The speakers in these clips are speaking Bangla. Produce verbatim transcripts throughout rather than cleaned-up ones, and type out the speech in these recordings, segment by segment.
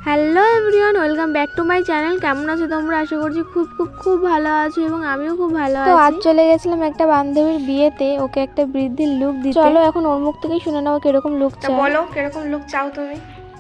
Hello everyone, welcome back to my channel. কেমন আছো তোমরা? আশা করছি খুব খুব খুব ভালো আছো এবং আমিও খুব ভালো আছি। তো আজ চলে গেছিলাম একটা বান্ধবীর বিয়েতে, ওকে একটা বৃদ্ধির লুক দিতে। চলো এখন ওর মুখ থেকেই শুনে নাও কিরকম লুক চাই। বলো কিরকম লুক চাও তুমি?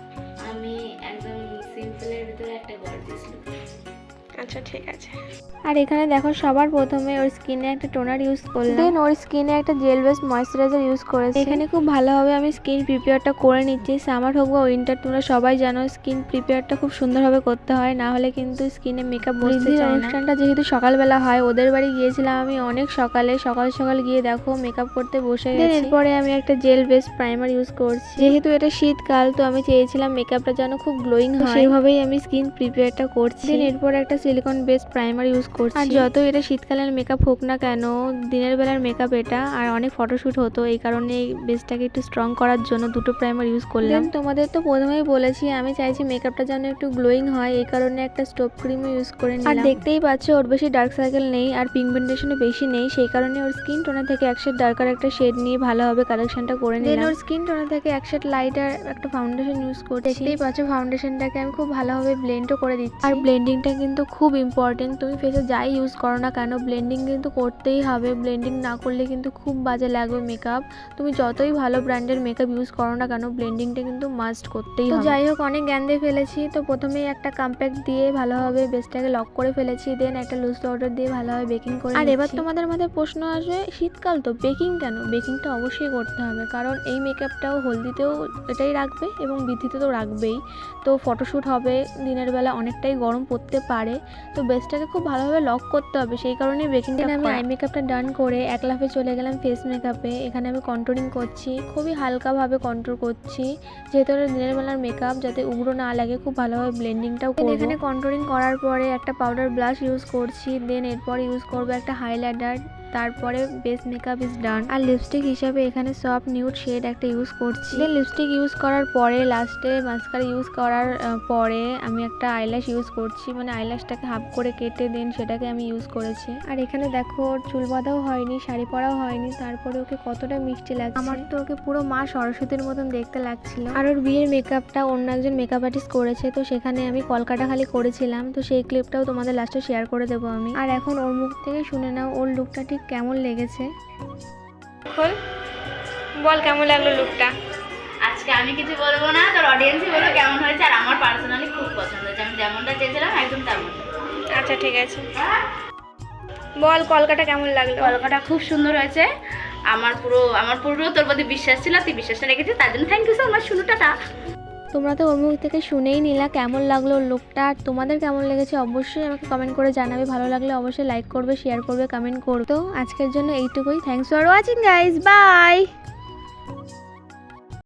আমি একদম সিম্পলের ভিতরে একটা গর্জিয়াস লুক। আচ্ছা ঠিক আছে। আর এখানে দেখো সবার প্রথমে ওর স্কিনে একটা টোনার ইউজ করলাম, দেন ওর স্কিনে একটা জেল বেস ময়েশ্চারাইজার ইউজ করেছি। এখানে খুব ভালোভাবে আমি স্কিন প্রিপেয়ারটা করে নিচ্ছি। সামার হোক বা উইন্টার, তোমরা সবাই জানো স্কিন প্রিপেয়ারটা খুব সুন্দরভাবে করতে হয়, না হলে কিন্তু স্কিনে মেকআপ বসতে চায় না। অনুষ্ঠানটা যেহেতু সকালবেলা হয়, ওদের বাড়ি গিয়েছিলাম আমি অনেক সকালে, সকাল সকাল গিয়ে দেখো মেকআপ করতে বসে গেছি। এরপরে আমি একটা জেল বেস প্রাইমার ইউজ করছি। যেহেতু এটা শীতকাল, তো আমি চেয়েছিলাম মেকআপটা যেন খুব গ্লোয়িং হয়, সেইভাবেই আমি স্কিন প্রিপেয়ারটা করছি। দেন এরপরে একটা সিলিকন বেস প্রাইমার ইউজ করছি। আর যত এটা শীতকালের মেকআপ হোক না কেন, দিনের বেলার মেকআপ এটা, আর অনেক ফটোশুট হতো, এই কারণে এই বেসটাকে একটু স্ট্রং করার জন্য দুটো প্রাইমার ইউজ করলাম। তোমাদের তো প্রথমেই বলেছি আমি চাইছি মেকআপটা যেন একটু গ্লোয়িং হয়, এই কারণে একটা স্টোভ ক্রিমও ইউজ করে নিলাম। আর দেখতেই পাচ্ছ ওর বেশি ডার্ক সার্কেল নেই আর পিগমেন্টেশনও বেশি নেই, সেই কারণে ওর স্কিন টোনার থেকে এক শেড ডার্কার একটা শেড নিয়ে ভালোভাবে কালেকশনটা করে নিলাম। দেন ওর স্কিন টোনার থেকে এক শেড লাইটার একটা ফাউন্ডেশন ইউজ করছি। দেখতেই পাচ্ছ ফাউন্ডেশনটাকে আমি খুব ভালোভাবে ব্লেন্ডও করে দিচ্ছি। আর ব্লেন্ডিংটা কিন্তু খুব ইম্পর্টেন্ট, তুমি ফেসে যাই ইউজ করো না কেন ব্লেন্ডিং কিন্তু করতেই হবে। ব্লেন্ডিং না করলে কিন্তু খুব বাজে লাগবে মেকআপ। তুমি যতই ভালো ব্র্যান্ডের মেকআপ ইউজ করো না কেন, ব্লেন্ডিংটা কিন্তু মাস্ট করতেই হবে। তো যাই হোক, অনেক জ্ঞান দিয়ে ফেলেছি। তো প্রথমেই একটা কম্প্যাক্ট দিয়ে ভালোভাবে বেসটাকে লক করে ফেলেছি, দেন একটা লুজ পাউডার দিয়ে ভালোভাবে বেকিং করে। আর এবার তোমাদের মাথায় প্রশ্ন আসবে, শীতকাল তো বেকিং কেন? বেকিংটা অবশ্যই করতে হবে, কারণ এই মেকআপটাও হলদিতেও এটাই রাখবে এবং বৃদ্ধিতে তো রাখবেই। তো ফটোশ্যুট হবে, দিনের বেলা অনেকটাই গরম পড়তে পারে, তো বেসটাকে খুব ভালোভাবে লক করতে হবে, সেই কারণে বেকিংটা। আমি আই মেকআপটা ডান করে এক লাফে চলে গেলাম ফেস মেকআপে। এখানে আমি কন্ট্রোলিং করছি, খুবই হালকাভাবে কন্ট্রোল করছি, যেহেতু এটা দিনের বেলার মেকআপ, যাতে উগ্র না লাগে খুব ভালোভাবে ব্লেন্ডিংটাও করব। এখানে কন্ট্রোলিং করার পরে একটা পাউডার ব্লাশ ইউজ করছি, দেন এরপর ইউজ করবো একটা হাইলাইটার, তারপরে বেস মেকআপ ইজ ডান। আর লিপস্টিক হিসাবে এখানে সফট নিউড শেড একটা ইউজ করছি। দেন লিপস্টিক ইউজ করার পরে লাস্টে মাস্কারা ইউজ করার পরে আমি একটা আইল্যাশ ইউজ করছি, মানে আইল্যাশটাকে হাফ করে কেটে দেন সেটাকে আমি ইউজ করেছি। আর এখানে দেখো ওর চুল বাঁধাও হয়নি, শাড়ি পরাও হয়নি, তারপরে ওকে কতটা মিষ্টি লাগছে। আমার তো ওকে পুরো মা সরস্বতীর মতন দেখতে লাগছিল। আর ওর বিয়ের মেকআপটা অন্য একজন মেকআপ আর্টিস্ট করেছে, তো সেখানে আমি কলকাতা খালি করেছিলাম, তো সেই ক্লিপটাও তোমাদের লাস্টে শেয়ার করে দেবো আমি। আর এখন ওর মুখ থেকে শুনে নাও ওর লুকটা ঠিক কেমন লেগেছে। খোল, বল কেমন লাগলো লুকটা? আজকে আমি কিছু বলবো না, তোর অডিয়েন্সই বলবো কেমন হয়েছে। আর আমার পার্সোনালি খুব পছন্দ হয়েছে, আমি যেমনটা চেয়েছিলাম একদম তেমন। আচ্ছা ঠিক আছে, বল কলকাতা কেমন লাগলো? কলকাতা খুব সুন্দর হয়েছে। আমার পুরো আমার পুরো তোর প্রতি বিশ্বাস ছিল, তুই বিশ্বাসটা রেখেছিস, তার জন্য থ্যাংক ইউ সো মাচ। শুনুটাটা তোমরা তো ওর মুখ থেকে শুনেই নিলা কেমন লাগলো লুকটা। আর তোমাদের কেমন লেগেছে অবশ্যই আমাকে কমেন্ট করে জানাবে। ভালো লাগলে অবশ্যই লাইক করবে, শেয়ার করবে, কমেন্ট করবে। তো আজকের জন্য এইটুকুই। Thanks for watching guys, by.